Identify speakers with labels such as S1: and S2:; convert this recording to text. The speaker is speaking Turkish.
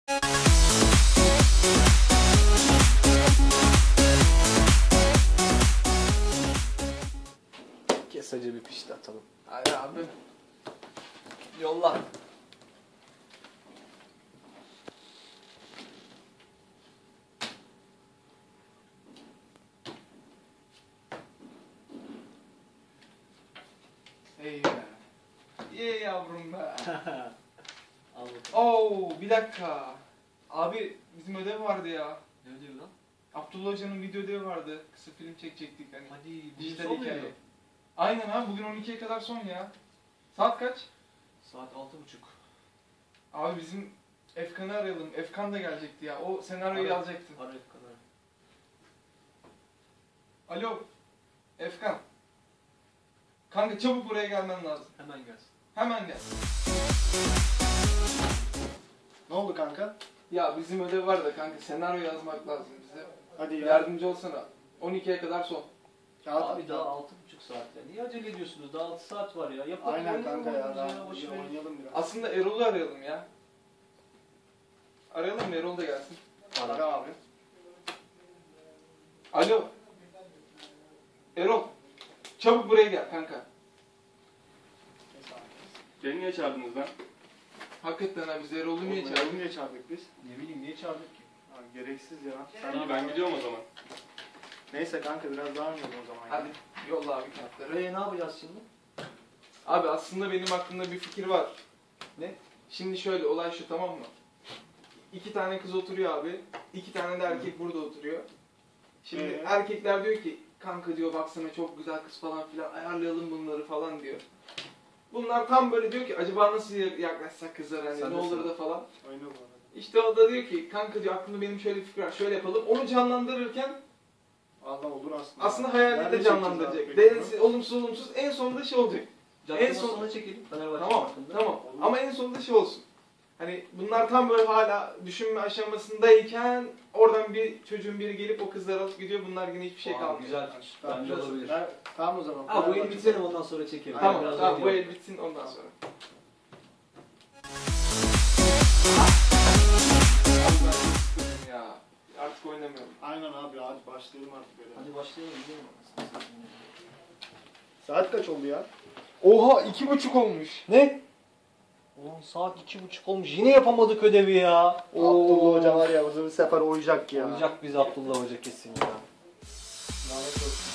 S1: Kesacı bir pişti atalım.
S2: Hadi abi. Yolla. Hey be. Ye yavrum be. Oo, bir dakika. Abi bizim ödev vardı ya.
S1: Ne ödevi lan?
S2: Abdullah Hoca'nın video ödevi vardı. Kısa film çekecektik hani.
S1: Hadi
S2: Dijital
S1: son
S2: hikaye.
S1: muydu?
S2: Aynen abi, bugün 12'ye kadar son ya. Saat kaç?
S1: Saat 6.30.
S2: Abi bizim Efkan'ı arayalım. Efkan da gelecekti ya. O senaryoyu
S1: Ara.
S2: yazacaktı.
S1: Ara kadar.
S2: Alo. Efkan. Kanka çabuk buraya gelmen lazım.
S1: Hemen gelsin.
S2: Hemen gel.
S3: Ne oldu kanka?
S2: Ya bizim ödev var da kanka, senaryo yazmak lazım bize.
S3: Hadi ya.
S2: Yardımcı olsana. 12'ye kadar son.
S3: Kağıt
S1: Abi
S3: at
S1: daha
S3: ya.
S1: 6.30 saat ya. Niye acele ediyorsunuz? Daha 6 saat var ya. Yapalım.
S3: Aynen kanka ya.
S1: Boş
S3: Daha
S1: ver.
S3: oynayalım biraz.
S2: Aslında Erol'u arayalım ya. Arayalım mı? Erol da gelsin.
S3: Ara abi.
S2: Alo. Erol. Çabuk buraya gel kanka.
S4: Beni niye çağırdınız lan?
S2: Hakikaten abi, biz Erol'u niye
S3: Oğlum,
S2: çağırdık?
S3: niye çağırdık biz?
S1: Ne bileyim niye çağırdık ki?
S3: Ha, gereksiz ya.
S4: İyi ben gidiyorum o zaman.
S3: Neyse kanka biraz daha oynayalım o zaman.
S2: Hadi yolla abi kağıtları.
S1: Ne yapacağız şimdi?
S2: Abi aslında benim aklımda bir fikir var.
S1: Ne?
S2: Şimdi şöyle, olay şu, tamam mı? 2 tane kız oturuyor abi. 2 tane de erkek burada oturuyor. Şimdi erkekler diyor ki, kanka diyor baksana çok güzel kız falan filan, ayarlayalım bunları falan diyor. Bunlar tam böyle diyor ki, acaba nasıl yaklaşsak kızlara, hani
S1: Sen
S2: ne
S1: de
S2: olur
S1: sıra.
S2: da falan.
S3: Oyna bu arada.
S2: İşte o da diyor ki, kanka diyor aklımda benim şöyle bir fikir var, şöyle yapalım. Onu canlandırırken
S3: Allah olur aslında.
S2: aslında hayalini
S3: Nerede
S2: de
S3: çekeceğiz
S2: canlandıracak.
S3: abi peki
S2: Değersiz, olumsuz olumsuz, en sonunda şey olacak.
S1: En
S2: son-
S1: sonuna çekelim. Fenerbahçe
S2: Tamam,
S1: hakkında.
S2: tamam.
S3: Olur.
S2: Ama en sonunda şey olsun. Hani bunlar tam böyle hala düşünme aşamasındayken oradan bir çocuğun biri gelip o kızları alıp gidiyor. Bunlar yine hiçbir şey
S1: Aa,
S2: kalmıyor.
S1: güzel.
S3: Tamam,
S1: Bence olabilir.
S3: Tamam o zaman.
S1: Ha bu el
S3: Fenerbahçe-
S1: bitirelim ondan sonra çekelim.
S2: Tamam,
S1: Biraz
S2: tamam. Bu
S1: oynuyor.
S2: el bitsin ondan sonra. Abi ben çok sıkıldım ya. Artık oynamıyorum.
S3: Aynen abi hadi başlayalım artık böyle.
S1: Hadi başlayalım. Gidelim.
S3: Saat kaç oldu ya?
S2: Oha, 2:30 olmuş.
S1: Ne? Oğlum saat 2.30 olmuş. Yine yapamadık ödevi ya.
S3: Abdullah Hoca var ya, bu sefer oyacak ya.
S1: Olacak biz Abdullah Hoca kesin ya.
S3: Lanet olsun.